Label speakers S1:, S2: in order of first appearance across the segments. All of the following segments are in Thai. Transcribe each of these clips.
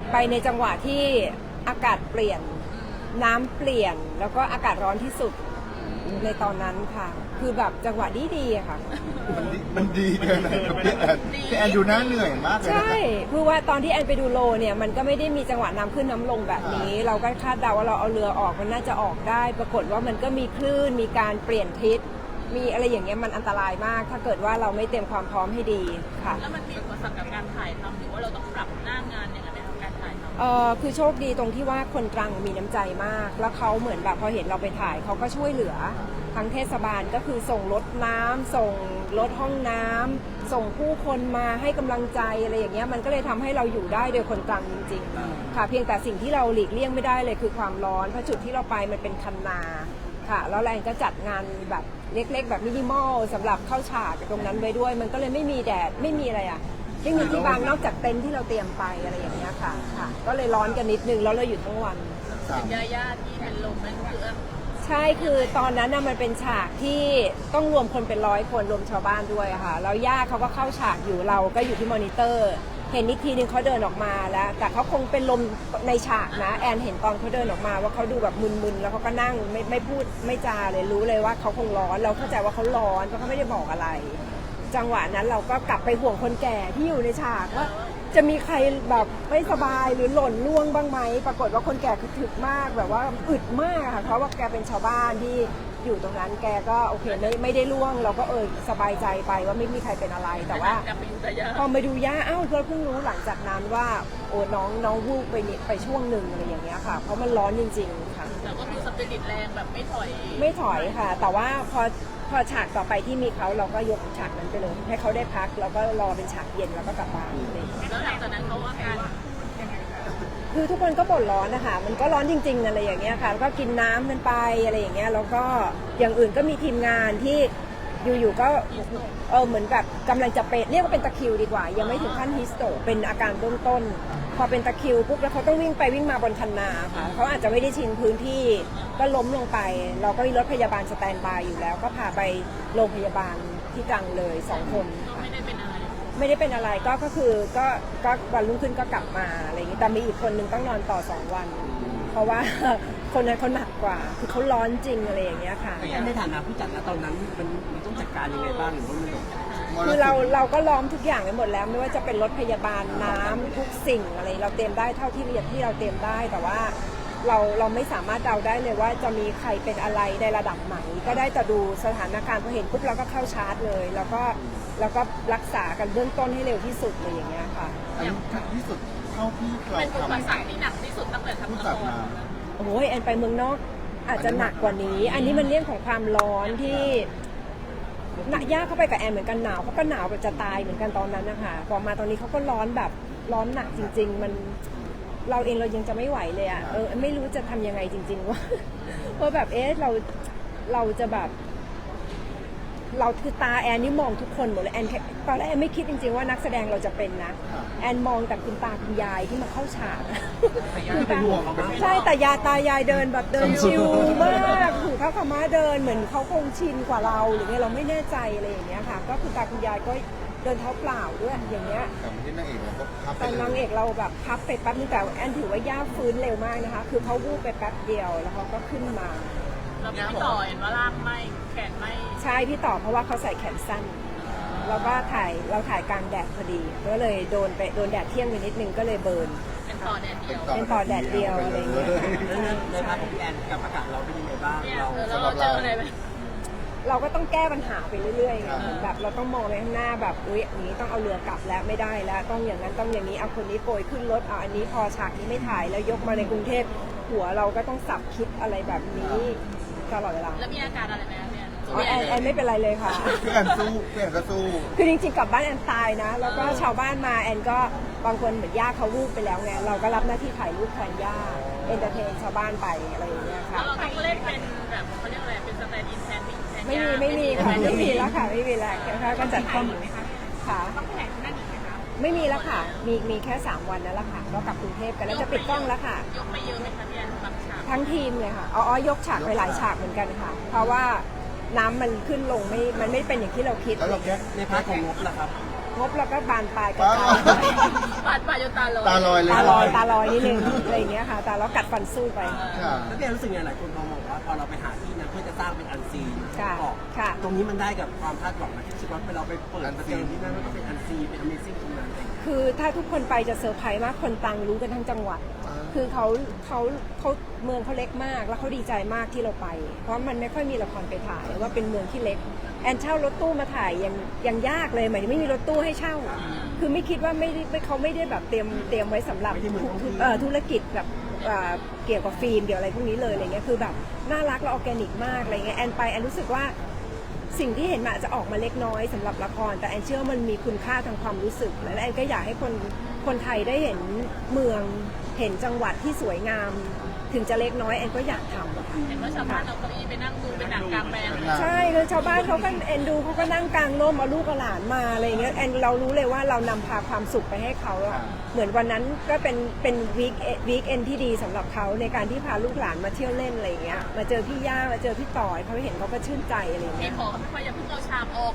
S1: ไปในจังหวะที่อากาศเปลี่ยนน้ำเปลี่ยนแล้วก็อากาศร้อนที่สุดในตอนนั้นค่ะคือแบบจังหวะดีๆอะค่ะ
S2: มันดีแค่ไหนกับพี่แอนดูน่าเหนื่อยมากเลยนะ
S1: ใช่คือว่าตอนที่แอนไปดูโลเนี่ยมันก็ไม่ได้มีจังหวะน้ำขึ้นน้ำลงแบบนี้เราก็คาดเดาว่าเราเอาเรือออกมันน่าจะออกได้ปรากฏว่ามันก็มีคลื่นมีการเปลี่ยนทิศมีอะไรอย่างเงี้ยมันอันตรายมากถ้าเกิดว่าเราไม่เตรียมความพร้อมให้ดีค่ะ
S3: แล้วมันมีอุปสรรคกับการถ่ายทำหรือว่าเราต้องปรับหน้างานยังไงไหมคะการถ่ายทำ
S1: คือโชคดีตรงที่ว่าคนตรังมีน้ำใจมากแล้วเขาเหมือนแบบพอเห็นเราไปถ่ายเขาก็ช่วยเหลือทั้งเทศบาลก็คือส่งรถน้ำส่งรถห้องน้ำส่งผู้คนมาให้กำลังใจอะไรอย่างเงี้ยมันก็เลยทำให้เราอยู่ได้โดยคนตรังจริงๆค่ะเพียงแต่สิ่งที่เราหลีกเลี่ยงไม่ได้เลยคือความร้อนเพราะจุดที่เราไปมันเป็นคันนาค่ะแล้วแรงก็จัดงานแบบเล็กๆแบบมินิมอลสำหรับเข้าฉากตรงนั้นไว้ด้วยมันก็เลยไม่มีแดดไม่มีอะไรอ่ะไม่มีที่บางนอกจากเต็นท์ที่เราเตรียมไปอะไรอย่างเงี้ยค่ะก็เลยร้อนกันนิดนึงแล้วเราอยู่ทั้งวัน
S3: ย่าที่เป็นลมนั่นคือ
S1: ใช่คือตอนนั้นมันเป็นฉากที่ต้องรวมคนเป็น100 คนรวมชาวบ้านด้วยค่ะแล้วย่าเขาก็เข้าฉากอยู่เราก็อยู่ที่มอนิเตอร์เห็นอีกทีนึงเขาเดินออกมาแล้วแต่เขาคงเป็นลมในฉากนะแอนเห็นตอนเขาเดินออกมาว่าเขาดูแบบมึนๆแล้วเขาก็นั่งไม่พูดไม่จาเลยรู้เลยว่าเขาคงร้อนเราเข้าใจว่าเขาร้อนเพราะเขาไม่ได้บอกอะไรจังหวะนั้นเราก็กลับไปห่วงคนแก่ที่อยู่ในฉากว่าจะมีใครแบบไม่สบายหรือหล่นล่วงบ้างไหมปรากฏว่าคนแก่คือถึกมากแบบว่าอึดมากค่ะเพราะว่าแกเป็นชาวบ้านที่อยู่ตรงนั้นแกก็โอเคไม่ได้ล่วงเราก็สบายใจไปว่าไม่มีใครเป็นอะไรแต่ว่าพอมาดูย่าอ้าวเราเพิ่งรู้หลังจากนั้นว่าโอ้น้องวูบไปช่วงหนึ่งอะไรอย่างเงี้ยค่ะเพราะมันร้อนจริงๆค่ะ
S3: แต่ก็คือสปิริตแรงแบบไม่ถ
S1: อยค่ะแต่ว่าพอฉากต่อไปที่มีเขาเราก็ยกฉากนั้นไปเลยให้เขาได้พักแล้วก็รอเป็นฉากเย็นแล้วก็กลับบ้านเลย
S3: แล้วหลังจากนั้นเขาอาการ
S1: คือทุกคนก็บ่นร้อนนะคะมันก็ร้อนจริงๆอะไรอย่างเงี้ยค่ะแล้วก็กินน้ำกันไปอะไรอย่างเงี้ยแล้วก็อย่างอื่นก็มีทีมงานที่อยู่ๆก็เหมือนแบบกำลังจะเป็นเรียกว่าเป็นตะคริวดีกว่ายังไม่ถึงขั้นฮิสโตเป็นอาการเบื้องต้นพอเป็นตะคริวปุ๊บแล้วเขาต้องวิ่งไปวิ่งมาบนคันนาค่ะเขาอาจจะไม่ได้ชินพื้นที่ก็ล้มลงไปเราก็มีรถพยาบาลสแตนบายอยู่แล้วก็พาไปโรงพยาบาลที่ตรังเลย2 คน
S3: ไม่ได้เป็น
S1: อะไรก็คือก็วันรุ่งขึ้นก็กลับมาอะไรอย่างนี้แต่มีอีกคนนึงต้องนอนต่อ2 วันเพราะว่าคนนั้นเขาหนักกว่าคือเขาร้อนจริงอะไรอย่างเงี้ยค่ะ
S4: ในฐานะผู้จัดนะตอนนั้นมันต้องจัดการยังไงบ้างหรือว่ามัน
S1: คือเราก็ล้อมทุกอย่างไปหมดแล้วไม่ว่าจะเป็นรถพยาบาลน้ำทุกสิ่งอะไรเราเตรียมได้เท่าที่เราเตรียมได้แต่ว่าเราไม่สามารถเดาได้เลยว่าจะมีใครเป็นอะไรในระดับไหนก็ได้แต่ดูสถานการณ์พอเห็นปุ๊บเราก็เข้าชาร์จเลยแล้วก็รักษากันเบื้องต้นให้เร็วที่สุดเลยอย่างเงี้ยค่ะ
S2: อันนี้ที่สุดเท่าที่เรา
S3: เป็นอุปสรรค
S2: ทำ
S3: ที่หนักที่สุดตั้งแต่ทำละคร
S1: โอ้ยแอนไปเมืองนอกอาจจะหนักกว่านี้อันนี้มันเรื่องของความร้อนที่ย่าเข้าไปกับแอนเหมือนกันหนาวเขาก็หนาวแบบจะตายเหมือนกันตอนนั้นนะคะพอมาตอนนี้เขาก็ร้อนแบบร้อนหนักจริงๆมันเราเองเรายังจะไม่ไหวเลยอ่ะไม่รู้จะทำยังไงจริงๆว่าแบบเราจะแบบเราคือตาแอนนี่มองทุกคนหมดเลยแอนตอนแรกแอนไม่คิดจริงๆว่านักแสดงเราจะเป็นนะแอนมองแต่คุณตาคุณยายที่มาเข้าฉากใช่แต่ตายายเดินแบบเดินชิลมากถือผ้าขาวม้าเดินเหมือนเขาคงชินกว่าเราหรือไงเราไม่แน่ใจอะไรอย่างเงี้ยค่ะก็คุณตาคุณยายก็เดินเท้าเปล่าด้วยอย่างเงี้ย
S2: แต่ที่นางเอกเราก็พับ
S1: แต่นางเอกเราแบบพับไปแป๊บนึงแต่แอนถือว่าย่าฟื้นเร็วมากนะคะคือเขาวูบไปแป๊บเดียวแล้วเขาก็ขึ้นมา
S3: เราพี่ต่อเห็นว่าลากไม่แขนไม่
S1: ใช่พี่ต่อเพราะว่าเขาใส่แขนสั้นแล้วก็เราถ่ายกลางแดดพอดีก็เลยโดนแดดเที่ยงไปนิดนึงก็เลยเบิร์น
S3: เป็นต่อแดดเดียว
S1: อะไรอย่างเงี้ย
S4: ในภาพของพี่แอนกับอากาศเราเป็นยังไงบ้าง
S3: เราเจออะไรไหม
S1: เราก็ต้องแก้ปัญหาไปเรื่อยๆไงแบบเราต้องมองไปข้างหน้าแบบอุ๊ยอย่างนี้ต้องเอาเรือกลับแล้วไม่ได้แล้วต้องอย่างนั้นต้องอย่างนี้เอาคนนี้โปรยขึ้นรถเอาอันนี้พอฉากนี้ไม่ถ่ายแล้วยกมาในกรุงเทพหัวเราก็ต้องสับคิดอะไรแบบนี้ตลอดเวลา
S3: แล้วมีอาการอะไรไหมเนี่ย
S1: แอนไม่เป็นไรเลยค่ะ
S2: พี่แอนก็สู้
S1: คือจริงๆกลับบ้านแอนตายนะแล้วก็ชาวบ้านมาแอนก็บางคนเหมือนย่าเขาวูบไปแล้วไงเราก็รับหน้าที่ถ่ายรูปแทนย่าเอนเตอร์เทนชาวบ้านไปอะไรอย่างเงี้ยค่ะ
S3: แล้วเราต้องเล่นเป็นแบบเขาเรียกอะไรเป็นสแตนด์อินแทน
S1: ไม่มีค่ะไม่มีแล้วค่ะไม่มีแล้วค่ะก็จัดข้อมูลค่ะ
S3: ต้องแข่งนั่นอีกไหมคะ
S1: ไม่มีแล้วค่ะมีแค่3 วันนั่นแหละค่ะก็กลับกรุงเทพกันแล้วจะปิดกล้องแล้วค่ะ
S3: ยกไปเยอะไหมคะพี่แอนบางฉาก
S1: ทั้งทีมเลยค่ะยกฉากไปหลายฉากเหมือนกันค่ะเพราะว่าน้ำมันขึ้นลงมันไม่เป็นอย่างที่เราคิด
S2: แล้วเราแก้
S4: ในพาร์ทของงบล่ะครับ
S1: งบเราก็บานปลายกระจาย
S3: ปาดปาดจนตาลอย
S2: ตาลอยเลย
S1: ตาลอยนิดนึงอะไรอย่างเงี้ยค่ะแต่เรากัดฟันสู้ไป
S2: ค่ะ
S4: แล้วพี่แอนรู้สึกไงหลายคนมองว่าพอเราไปหาที่นั้นเพื่อจะสร้างเป็นอันซีน
S1: ค่ะ
S4: ออก
S1: ค่ะ
S4: ตรงนี้มันได้กับความคาดหวังนะที่รู้สึกว่าเราไปเปิดประเจอที่นั่นมันก็เป็นอันซีนเป็น Amazing ตรงนั้นอะไรอย่างเงี้ย
S1: คือถ้าทุกคนไปจะเซอร์ไพรส์มากคนตรังรู้กันทั้งจังหวัด คือเขาเมืองเขาเล็กมากแล้วเขาดีใจมากที่เราไป เพราะมันไม่ค่อยมีละครไปถ่ายว่าเป็นเมืองที่เล็กแอนเช่ารถตู้มาถ่ายยังยากเลยหมายถึงไม่มีรถตู้ให้เช่า คือไม่คิดว่าเขาไม่ได้แบบเตรียมไว้สำหรับธุรกิจแบบเกี่ยวกับฟิล์มเกี่ยวอะไรพวกนี้เลยอะไรเงี้ยคือแบบน่ารักและออร์แกนิกมากอะไรเงี้ยแอนไปแอนรู้สึกว่าสิ่งที่เห็นมันอาจจะออกมาเล็กน้อยสำหรับละครแต่แอนเชื่อว่ามันมีคุณค่าทางความรู้สึกและแอนก็อยากให้คนไทยได้เห็นเมืองเห็นจังหวัดที่สวยงาม ถึงจะเล็กน้อยแอนก็อยากทำอะค่ะ
S3: เห็นว่าชาวบ้านเอาเก้าอี้ไปนั่งดูเป็นหนังกลางแปลง
S1: ใช่คือชาวบ้านเขาก็เอ็นดูเขาก็นั่งกลางร่มเอาลูกเอาหลานมาอะไรเงี้ยแอนเรารู้เลยว่าเรานำพาความสุขไปให้เขาอะเหมือนวันนั้นก็เป็นวีคเอนที่ดีสำหรับเขาในการที่พาลูกหลานมาเที่ยวเล่นอะไรเงี้ยมาเจอพี่ย่ามาเจอพี่ต่อยเขาเห็นเขาก็ชื่นใจอะไร
S3: มี
S1: เงี้ย
S3: ขอเขาอย่าเพิ่งเอาชามออก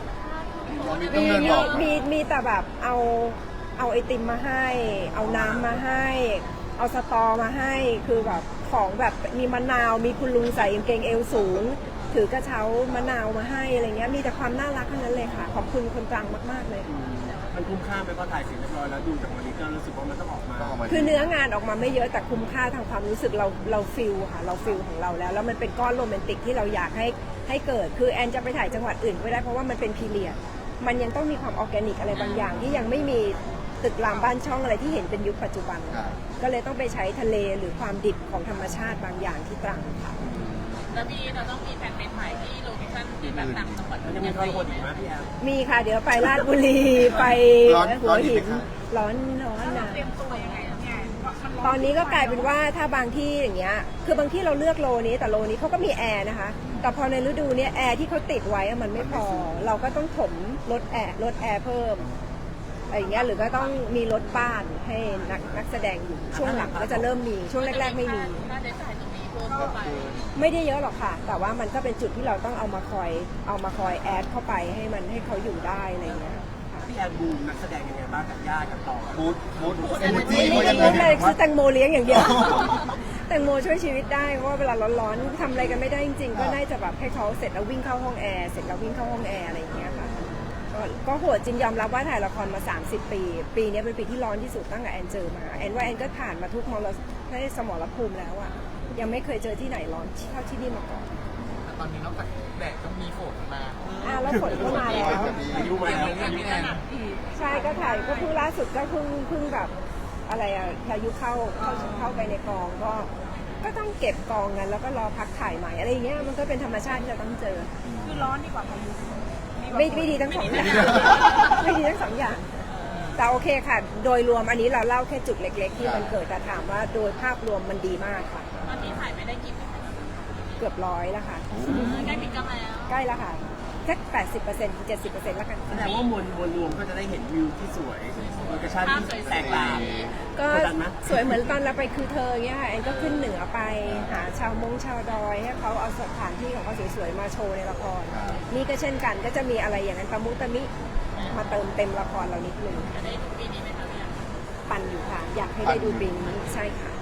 S1: มีแต่แบบเอาไอติมมาให้ เอาน้ำมาให้ เอาสตอมาให้คือแบบของแบบมีมะนาวมีคุณลุงใส่กางเกงเอวสูงถือกระเช้ามะนาวมาให้อะไรเงี้ยมีแต่ความน่ารักทั้งนั้นเลยค่ะขอบคุณคนตรังมากๆเลย
S4: มันคุ้มค่าไหมพอถ่ายเสร็จเรียบร้อยแล้วดูจากมอนิเตอร์รู้สึกว่ามันต้องออกมา
S1: คือเนื้องานออกมาไม่เยอะแต่คุ้มค่าทางความรู้สึกเราฟิลค่ะเราฟิลของเราแล้วมันเป็นก้อนโรแมนติกที่เราอยากให้เกิดคือแอนจะไปถ่ายจังหวัดอื่นไม่ได้เพราะว่ามันเป็นพีเรียดมันยังต้องมีความออร์แกนิกอะไรบางอย่างที่ยังไม่มีตึกรามบ้านช่องอะไรที่เห็นเป็นยุคปัจจุบัน ก็เลยต้องไปใช้ทะเลหรือความดิบของธรรมชาติบางอย่างที่ตรังค่ะ
S3: แล้วเราต้องมีแผนไปถ่ายที่โลเคชั่นที่แบบต่างจังหวัด
S4: มันจะมีทรหดอีกไหมพี่แอน
S1: มีค่ะเดี๋ยวไปราชบุรีไปหัวหินร้อนนะ
S3: เตรียมตัวยังไงเนี่ย
S1: ตอนนี้ก็กลายเป็นว่าถ้าบางที่อย่างเงี้ยคือบางที่เราเลือกโลนี้แต่โลนี้เขาก็มีแอร์นะคะแต่พอในฤดูเนี้ยแอร์ที่เขาติดไว้มันไม่พอเราก็ต้องถมลดแอร์เพิ่มอะไรอย่างเงี้ยหรือก็ต้องมีรถบ้านให้นักแสดงอยู่ช่วงหลังก็จะเริ่มมีช่วงแรกๆไม่มี
S3: ค่าใช้จ่ายตรงนี้เพิ่มเข้าไป
S1: ไม่ได้เยอะหรอกค่ะ แต่ว่ามันก็เป็นจุดที่เราต้องเอามาคอยแอดเข้าไปให้เขาอยู่ได้อะไรอย่างเงี้ย
S4: พี่แอนบูมนักแสดงยังไงบ้างกับย่ากับต่อ
S2: บูธเอเนจี
S1: ไม่ได้รู้เลยคือแตงโมเลี้ยงอย่างเดียว แตงโมช่วยชีวิตได้เพราะว่าเวลาร้อนๆทำอะไรกันไม่ได้จริงๆก็น่าจะแบบให้เขาเสร็จแล้ววิ่งเข้าห้องแอร์เสร็จแล้ววิ่งเข้าห้องแอร์อะไรอย่างเงี้ยค่ะก็โหดจริงยอมรับว่าถ่ายละครมา30 ปีนี้เป็นปีที่ร้อนที่สุดตั้งแต่แอนเจอมาแอนว่าแอนก็ผ่านมาทุกสมรภูมิแล้วอะยังไม่เคยเจอที่ไหนร้อนเท่าที่นี่มาก่อน
S5: ตอนนี้นอกจากแดดก็มีฝนมา
S1: แล้วฝนก็มาแล้ว
S4: อายุมาแล้วอายุแอน
S1: ใช่ก็ถ่ายก็เพิ่งล่าสุดก็เพิ่งแบบอะไรอะพายุเข้าไปในกองก็ต้องเก็บกองกันแล้วก็รอพักถ่ายใหม่อะไรอย่างเงี้ยมันก็เป็นธรรมชาติที่เราต้องเจอ
S3: คือร้อนดีกว่าพายุ
S1: ไม่ดีทั้งสองอย่างไม่ดีทั้งสองอย่างแต่โอเคค่ะ โดยรวมอันนี้เราเล่าแค่จุดเล็กๆที่มันเกิดแต่ถามว่าโดยภาพรวมมันดีมากค่ะ
S3: ตอนนี้ถ่ายไปได้กี่เปอร์เซ็นต์
S1: เกือบ100แล้วค่ะ
S3: ใกล้ปิดกล้องแล้ว
S1: ใกล้แล้วค่ะแค่80% 70%แล้วกัน
S4: แสดงว่ามวลรวมก็จะได้เห็นวิวที่สวยโลเคชั่นที่แตกต่าง
S1: ก็สวยเหมือนตอนเราไปคือเธอเงี้ยค่ะแอนก็ขึ้นเหนือไปหาชาวดอยให้เขาเอาสถานที่ของเขาสวยๆมาโชว์ในละครนี่ก็เช่นกันก็จะมีอะไรอย่างนั้นตะมุตะมิมาเติมเต็มละครเรานิดนึง
S3: จะได้ดูปีนี้ไหมคะพี่
S1: ปั่นอยู่ค่ะ อยากให้ได้ดูปีนี้ใช่ค่ะ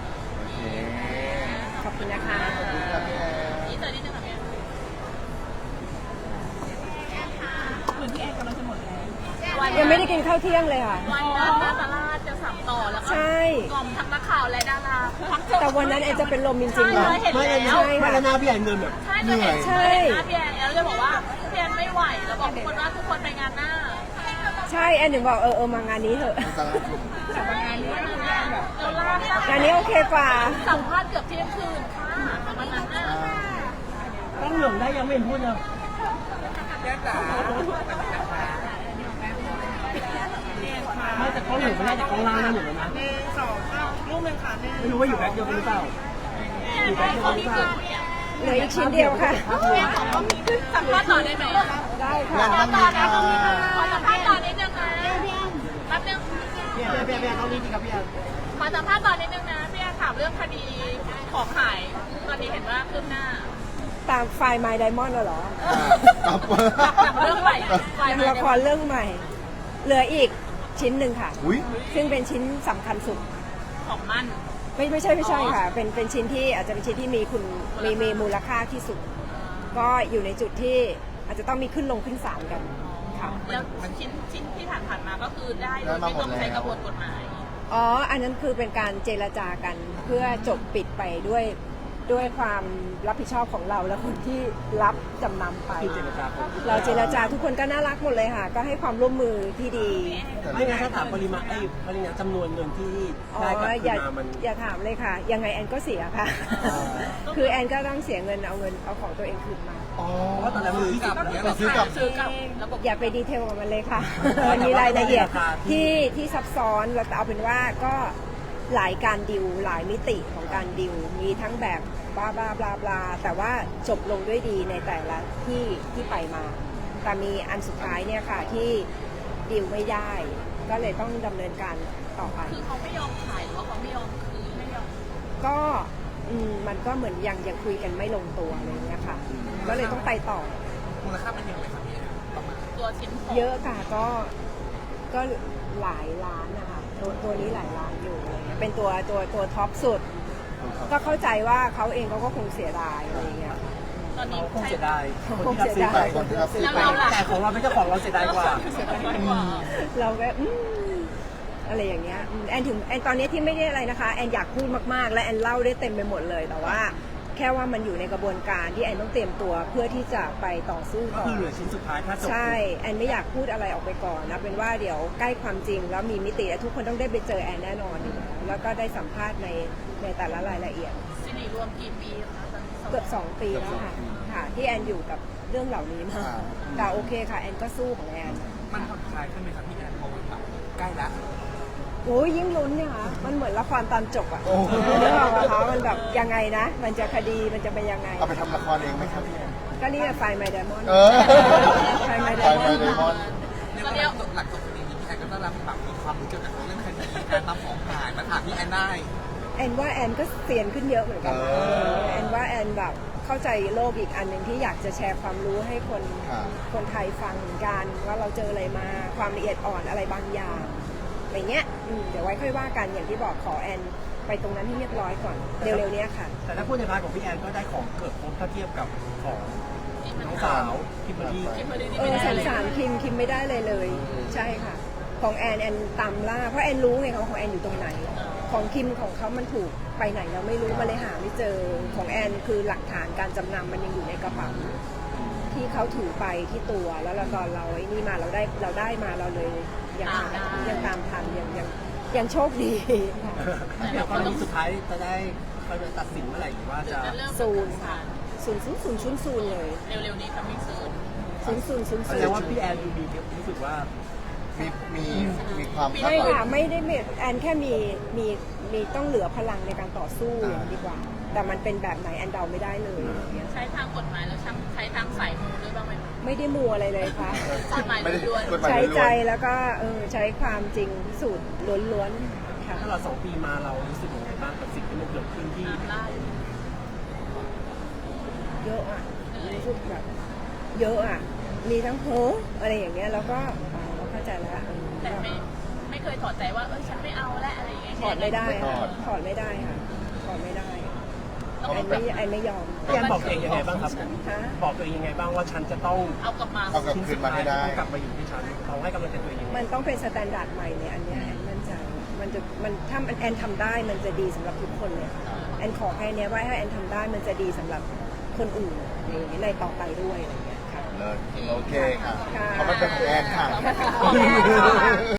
S1: ขอบคุณนะคะ
S3: นี่เจอนิดนึงค่ะพี่เหมือนพี่แอนกำลังจะหมดแล้ว
S1: ยังไม่ได้กินข้าวเที่ยงเลยค่ะ
S3: วันนั้นนาตาลาดจะสามต่อแล้วก็
S1: ใช่
S3: กล่อมทั้งนักข่าวและดารา
S1: แต่วันนั้นแอนจะเป็นลมจริงๆ
S3: ใช่
S1: นะ
S3: เห็น
S4: ไม่
S3: แล้ว
S4: ไม่แล้วหน้าพี่แอนเงินแบบ
S3: ใช่จะเห็นหน้าพี่แอนแล้วจะบอกว่าพี่แอนไม่ไหวแล้วบอกทุกคนว่าทุกคนไปงานหน้า
S1: ใช่แอนถึงบอกมางานนี้เถอะ
S3: เราลาก
S1: งานนี้โอเคกว่า
S3: สัมภาษณ์เกือบเที่ยงคืนค่ะวันนั้นน่ะ
S4: ต้องเหลืองได้ยังไม่เห็นพูดเลยไม่แต่เขาเหลืองไม่ได้แต่เขาล่างนั่นหมดแล้วนะไม่รู้ว่าอยู่แบ็คเดียวกันหรือเปล่าอยู่แบ็คเดียวกันหรือเปล่า
S1: เหลืออีกชิ้นเดียวค่ะ
S3: สัมภาษณ์ต่อได้ไหม
S1: ได้
S3: ขอ
S1: ค่ะ
S3: สัมภาษณ์ต่อนะขอสัมภาษณ์ต่อนิดนึงนะแป๊บนึง
S4: พี่แอนต้องนี่ดีครับพี่แอน
S3: ขอสัมภาษณ์ต่อนิดนึงนะพี่แอนถามเรื่องคดีของหายตอนนี้เห็นว่าคืบหน้า
S1: ตตามไฟล์ My Diamond เหรอ
S2: ครับ
S3: เรื่องใหม่ไฟ
S1: ยัง
S3: มา
S1: ละครเรื่องใหม่ เหลืออีกชิ้นหนึ่งค่ะ
S2: อุ้ย
S1: ซึ่งเป็นชิ้นสำคัญสุด
S3: ของมั่น
S1: ไม่ใช่ค่ะ เป็นชิ้นที่อาจจะเป็นชิ้นที่มีมูลค่าที่สุด ก็อยู่ในจุดที่อาจจะต้องมีขึ้นลงขึ้นศาลกันค่ะ
S3: แล้วชิ้นที่ผ่านมาก็คือได้โดยไม่ต้องใช้กระบวนกฎหมาย
S1: อ๋อ อันนั้นคือเป็นการเจรจากันเพื่อจบปิดไปด้วยความรับผิดชอบของเราและคนที่รับจำนำไป
S4: คือเจรจาคน
S1: เราเจรจาทุกคนก็น่ารักหมดเลยค่ะ ก็ให้ความร่วมมือที่ดี
S4: ไม่งั้นถ้าถามปริมาณจำนวนเงินที่
S1: อ๋อ
S4: ได้กลับ
S1: อ
S4: คื
S1: ย่าน
S4: มามัน
S1: อย่าถามเลยค่ะ ยังไงแอนก็เสียค่ะ คือแอนก็ต้องเสียเงินเอาของตัวเองคืนมา
S2: อ๋อ
S4: เพราะว่าตอนแรกมัน20
S2: ไปซื้อกลับ
S3: ซื้อกับระบบ
S1: อย่าไปดีเทลกับมันเลยค่ะ มันมีรายละเอียดที่ซับซ้อนเราเอาเป็นว่าก็หลายการดิวหลายมิติของการดิวมีทั้งแบบบลาบลาบลาบลาแต่ว่าจบลงด้วยดีในแต่ละที่ไปมา แต่มีอันสุดท้ายเนี่ยค่ะที่ดิวไม่ได้ ก็เลยต้องดำเนินการต่อไป
S3: คือเขาไม่ยอมขายหรือว่าเขาไม่ยอมคืนไม่ยอม
S1: ก็มันก็เหมือนยังคุยกันไม่ลงตัวอะไรอย่างเงี้ยค่ะ ก็เลยต้องไปต่อ
S5: มูลค่ามันยังไงครับพี่แอนประมาณ
S3: ตัวชิ้นของ
S1: เยอะค่ะก็หลายล้านนะคะตัวนี้หลายล้านอยู่อะไรเงี้ยเป็นตัวท็อปสุด ก็เข้าใจว่าเขาเองเขาก็คงเสียดายอะไรเงี้ย
S3: ตอนนี้
S4: เขาคง
S3: ใช้
S4: เสียดาย
S1: คงเสียดาย
S2: คนที่รับซื้อไป
S4: แต่ของเราเป็นเจ้าของเราเสียดายกว่า
S1: เราก็อะไรอย่างเงี้ยแอนถึงแอนตอนนี้ที่ไม่ได้อะไรนะคะแอนอยากพูดมากๆและแอนเล่าได้เต็มไปหมดเลยแต่ว่าแค่ว่ามันอยู่ในกระบวนการที่แอนต้องเตรียมตัวเพื่อที่จะไปต่อสู้
S4: ก็
S1: ต่อ
S4: คือเหลือชิ้นสุดท้ายถ้าจบ
S1: ใช่แอนไม่อยากพูดอะไรออกไปก่อนนะเป็นว่าเดี๋ยวใกล้ความจริงแล้วมีมิติและทุกคนต้องได้ไปเจอแอนแน่นอนอยู่แล้วก็ได้สัมภาษณ์ในแต่ละรายละเอียด
S3: สิริรวมกี่ปีคะตอนนี้
S1: เกือบ2 ปีแล้วค่ะที่แอนอยู่กับเรื่องเหล่านี้มาแต่โอเคค่ะแอนก็สู้ของแอน
S5: มันผ่อนคลายขึ้นไหมครับพี่แอนพอมันแบบใกล้ละ
S1: โอ้ยยิ่งลุ้นเนี่ยค่ะมันเหมือนละครตอนจบอะ
S2: โอ้โห
S1: เรื่องของเขามันแบบยังไงนะ มันจะคดีมันจะเป็นยังไง
S2: เอาไปทำละครเองไหมครับพี่แอน
S1: ก็นี่ไฟไมเดมอน
S2: เออ
S1: ไฟไมเด
S2: ไป
S1: ม
S2: ไป
S1: อน
S2: เดมอน
S5: เรียกว่าหลักจบคดีนี้พี่แอนก็ต้องรับแบบมีความรู้เกี่ยวกับเรื่องคดีการนำของหายมาถามพี่แอนได้
S1: แอนว่าแอนก็เซียนขึ้นเยอะเหมือนกันนะแอนว่าแอนแบบเข้าใจโลกอีกอันหนึ่งที่อยากจะแชร์ความรู้ให้คนไทยฟังเหมือนกันว่าเราเจออะไรมาความละเอียดอ่อนอะไรบางอย่างอะไรเงี้ยเดี๋ยวไว้ค่อยว่ากันอย่างที่บอกขอแอนไปตรงนั้นให้เรียบร้อยก่อนเร็วๆเนี้ยค่ะ
S4: แต่ถ้าพูดในพาร์ทของพี่แอนก็ได้ของเกือบครบถ้าเทียบกับของน้องสาวคิมเบอร์รี่
S1: สงสารคิมไม่ได้เลยใช่ค่ะ ของแอนตามล่าเพราะแอนรู้ไงของแอนอยู่ตรงไหน ของคิมของเขามันถูกไปไหนเราไม่รู้มาเลยหาไม่เจอของแอนคือหลักฐานการจำนำมันยังอยู่ในกระเป๋าที่เขาถือไปที่ตัวแล้วตอนเราไอ้นี่มาเราได้มาเราเลยยังตามทันยังโชคดีค่ะ
S4: เดี๋ยวตอนนี้สุดท้ายจะได้เขาจะตัดสินเมื่อไหร่หรือว่าจะ
S1: ศูนย์ค่ะศูนย์เลย
S3: เร็วๆนี้ค่ะไม่ซื้อ
S1: ศูนย์
S4: แสดงว่าพี่แอนดูมีรู้สึกว่า
S2: มีความ
S1: ไม่ค่ะไม่ได้แอนแค่มีต้องเหลือพลังในการต่อสู้อย่างดีกว่า แต่มันเป็นแบบไหนแอนเดาไม่ได้เลยอย่างเงี้ย
S3: ใช้ทางกฎหมายแล้วใช้ทางสายมูด้วยบ้างไหม
S1: ไม่ได้มัวอะไรเลยค่ะ
S3: กฎหมาย
S2: ไม่ได้
S3: ล้วน
S2: กฎหมาย
S1: ใช้
S2: ล้
S1: ใจ
S2: วน
S1: แล้วก็ใช้ความจริงพิสูจน์ล้วนๆค่ะ
S4: ถ้าเรา2 ปีมาเรารู้สึกยังไงบ้างกับสิ่งที่มันเกิดขึ้นที่
S3: ตามล่า
S1: เยอะอ่ะรู้สึกแบบเยอะอ่ะมีทั้งโหอะไรอย่างเงี้ยแล้วก็เข้าใจแล้ว
S3: แต่ไม่เคยถอดใจว่าฉันไม่เอาและอะไรอย่างเงี้ย
S1: ถอดไม่ได้ค่ะถอดไม่ได้ค่ะถอดไม่ได้แอนไม่ยอม
S4: พี่แอนบอกตัวเองยังไงบ้างครับ
S1: ฮะ
S4: บอกตัวเองยังไงบ้างว่าฉันจะต้อง
S3: เอากลับมา
S2: เอากลับคืนมาให้ได้
S4: ต้องกลับมาอยู่ที่ฉันเราให้กำลังใจตัวเองยังไง
S1: มันต้องเป็นสแตนดาร์ดใหม่เนี่ยอันเนี้ยแอนมั่นใจถ้าแอนทำได้มันจะดีสำหรับทุกคนเลยค่ะแอนขอแค่เนี้ยว่าถ้าแอนทำได้มันจะดีสำหรับคนอื่นในต่อไปด้วยอะไรอย่างเงี้ยค่ะ
S2: เลิศโอเคค่ะ
S1: ค่ะ
S2: เพราะมันเป็นของแอนค่ะ
S1: ขอบคุณค่ะ